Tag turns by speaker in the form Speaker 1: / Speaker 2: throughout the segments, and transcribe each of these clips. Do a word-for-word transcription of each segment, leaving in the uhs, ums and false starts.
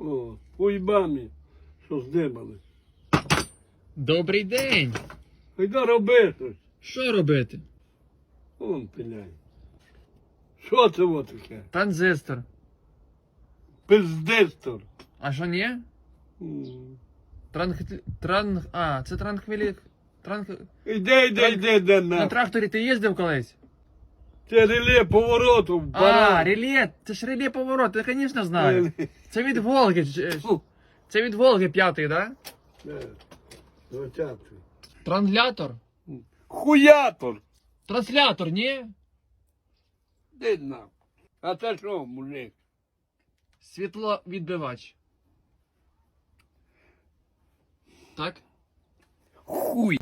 Speaker 1: О, уйбамі, що здибали.
Speaker 2: Добрий день!
Speaker 1: Йди роби щось.
Speaker 2: Що робити?
Speaker 1: Вон пиляй. Що це во таке?
Speaker 2: Транзистор.
Speaker 1: Пиздистор.
Speaker 2: А що ні?
Speaker 1: М.
Speaker 2: Транх... Транх... А, це транхвілі... Транх...
Speaker 1: Іди, іди,
Speaker 2: Трак-
Speaker 1: іди, де
Speaker 2: На
Speaker 1: на.
Speaker 2: тракторі ти їздив колись?
Speaker 1: Це реле повороту.
Speaker 2: А, реле, це ж реле поворот, я, звісно, знаю. Це від Волги, ч-
Speaker 1: Фу.
Speaker 2: це від Волги п'ятий, да?
Speaker 1: Двадцятий.
Speaker 2: Транслятор?
Speaker 1: Хуятор.
Speaker 2: Транслятор, ні?
Speaker 1: Де на. А це що, мужик?
Speaker 2: Світловідбивач. Так?
Speaker 1: Хуй.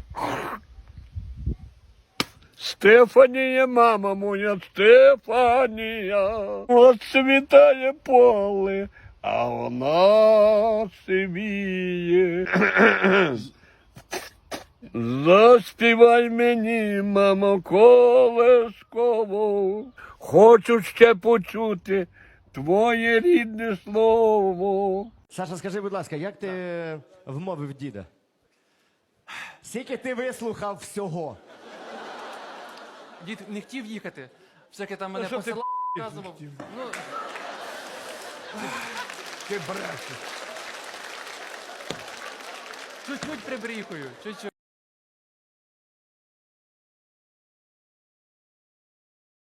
Speaker 1: Стефанія, мама моя, Стефанія, от світає поле, а вона сивіє. Заспівай мені, мамо, колесково, хочу ще почути твоє рідне слово.
Speaker 3: Саша, скажи, будь ласка, як ти вмовив діда? Скільки ти вислухав всього?
Speaker 2: Дід не хотів їхати. Всяке там мене
Speaker 1: що ти
Speaker 2: посилав, показував. Ну,
Speaker 1: Ти брешеш.
Speaker 2: чуть-чуть прибріхую, чуть-чуть.